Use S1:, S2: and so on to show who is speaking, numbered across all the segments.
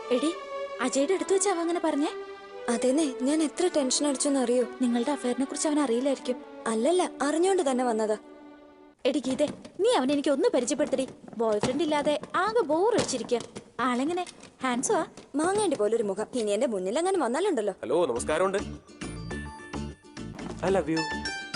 S1: എടി അജയുടെ അടുത്ത് വെച്ച് അവ അങ്ങനെ പറഞ്ഞേ?
S2: അതെന്നെ, ഞാൻ എത്ര ടെൻഷൻ അടിച്ചെന്ന് അറിയോ?
S1: നിങ്ങളുടെ അഫയറിനെ കുറിച്ച് അവൻ അറിയില്ലായിരിക്കും.
S2: അല്ലല്ല, അറിഞ്ഞോണ്ട് തന്നെ വന്നതാ.
S1: എടി ഗീതേ, നീ അവനെ എനിക്ക് ഒന്ന് പരിചയപ്പെടുത്തടി. ബോയ് ഫ്രണ്ട് ഇല്ലാതെ ആകെ ബോർ അടിച്ചിരിക്കുക. ആളെങ്ങനെ? ഹാൻഡ്സോ?
S2: മാങ്ങേണ്ടി പോലൊരു മുഖം. ഇനി എന്റെ മുന്നിൽ അങ്ങനെ വന്നാലുണ്ടല്ലോ.
S3: ഹലോ, നമസ്കാരമുണ്ട്. I love you.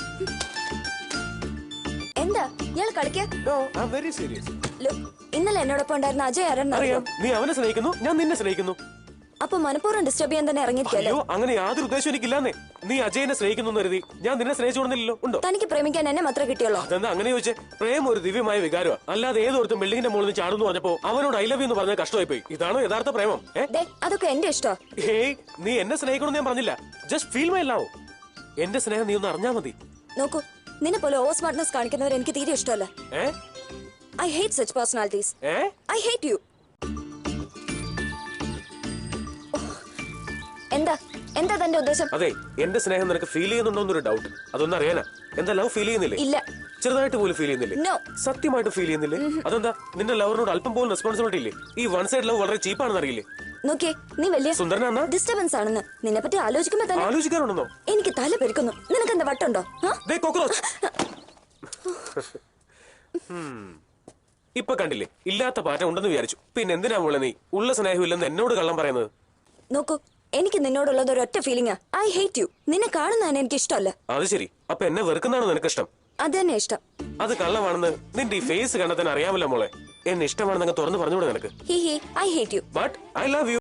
S2: എന്താ ഇയാൾ കളിക്കാ?
S3: No, I am very serious.
S2: ഇന്നലെ എന്നോടൊപ്പം ഉണ്ടായിരുന്ന അജയ് ആരാണെന്ന് അറിയോ?
S3: നീ അവനെ സ്നേഹിക്കുന്നു, ഞാൻ നിന്നെ സ്നേഹിക്കുന്നു.
S2: അപ്പൊ മനഃപൂർവ്വം ഡിസ്റ്റർബ് ചെയ്യാൻ തന്നെ ഇറങ്ങിയിരിക്കല്ലേ?
S3: അയ്യോ, അങ്ങനെ യാതൊരു ഉദ്ദേശം എനിക്കില്ലാന്നേ. നീ അജയനെ സ്നേഹിക്കുന്നു കരുതി ഞാൻ നിന്നെ സ്നേഹിച്ചോടുന്നില്ലല്ലോ. ഉണ്ടോ?
S2: തനിക്ക് പ്രേമിക്കാൻ എന്നെ മാത്രമേ കിട്ടിയുള്ളൂ.
S3: അതെന്താ അങ്ങനെ ചോദിച്ചേ? പ്രേം ഒരു ദിവ്യമായ വികാരമാണ്. അല്ലാതെ ഏതൊരുത്തും ബിൽഡിങ്ങിന്റെ മുകളിൽ നിന്ന് ചാടുന്നു പറഞ്ഞപ്പോ അവനോട് ഐ ലവ് യു എന്ന് പറഞ്ഞാൽ കഷ്ടമായി പോയി. ഇതാണോ യഥാർത്ഥ പ്രേമം?
S2: അതൊക്കെ എന്റെ ഇഷ്ടം.
S3: ഏയ്, നീ എന്നെ സ്നേഹിക്കണമെന്ന് ഞാൻ പറഞ്ഞില്ല. Just feel my love. എന്റെ സ്നേഹം നീ ഒന്ന് അറിഞ്ഞാ മതി.
S2: നോക്കൂ, നിന്നെ പോലെ ഓവർ സ്മാർട്ട്നെസ് കാണിക്കുന്നവർ എനിക്ക് തീരെ ഇഷ്ടമല്ല. I hate such personalities. I hate you. എന്താ തന്റെ ഉദ്ദേശം?
S3: അതെ, എന്റെ സ്നേഹം നിനക്ക് ഫീൽ ചെയ്യുന്നുണ്ടോന്നൊരു ഡൗട്ട്. അതൊന്നും അറിയാനാ. എന്താ ലവ് ഫീൽ ചെയ്യുന്നില്ലേ?
S2: ഇല്ല.
S3: ചെറുതായിട്ട് പോലും ഫീൽ ചെയ്യുന്നില്ലേ?
S2: No.
S3: സത്യമായിട്ട് ഫീൽ ചെയ്യുന്നില്ലേ? അതെന്താ? നിന്റെ ലവറിനോട് അല്പം പോലും റെസ്പോൺസിബിലിറ്റി ഇല്ലേ? ഈ വൺ സൈഡ് ലവ് വളരെ ചീപ്പാണെന്ന് അറിയില്ലേ?
S2: നോക്കിയേ, നീ വലിയ
S3: സുന്ദരനാ?
S2: ഡിസ്റ്റർബൻസ് ആണെന്ന് നിന്നെ പറ്റി ആലോചിക്കുമ്പോ തന്നെ
S3: ആലോചിക്കാറുണ്ടെന്നോ?
S2: എനിക്ക് തല പെരുക്കുന്നു. നിനക്ക് എന്താ വട്ടുണ്ടോ?
S3: ഇപ്പൊ കണ്ടില്ലേ, ഇല്ലാത്ത പാറ്റ ഉണ്ടെന്ന് വിചാരിച്ചു. പിന്നെ എന്തിനാ മോളെ നീ ഉള്ള സ്നേഹമില്ലെന്ന് എന്നോട് കള്ളം പറയുന്നത്?
S2: നോക്കൂ, എനിക്ക് നിന്നോടുള്ളത് ഒരൊറ്റ ഫീലിംഗാ. I hate U. നിന്നെ കാണുന്നതാണ് എനിക്ക് ഇഷ്ടമല്ല.
S3: അത് ശരി. അപ്പൊ എന്നെ വെറുക്കുന്നതാണോ നിനക്ക് ഇഷ്ടം?
S2: അത് തന്നെ ഇഷ്ടം.
S3: അത് കള്ളമാണെന്ന് നിന്റെ ഈ ഫേസ് കണ്ടാൽ തന്നെ അറിയാമല്ലോ മോളെ. എന്നെ ഇഷ്ടമാണെന്ന് തുറന്നു പറഞ്ഞൂടെ നിനക്ക്?
S2: I hate you.
S3: But I love U.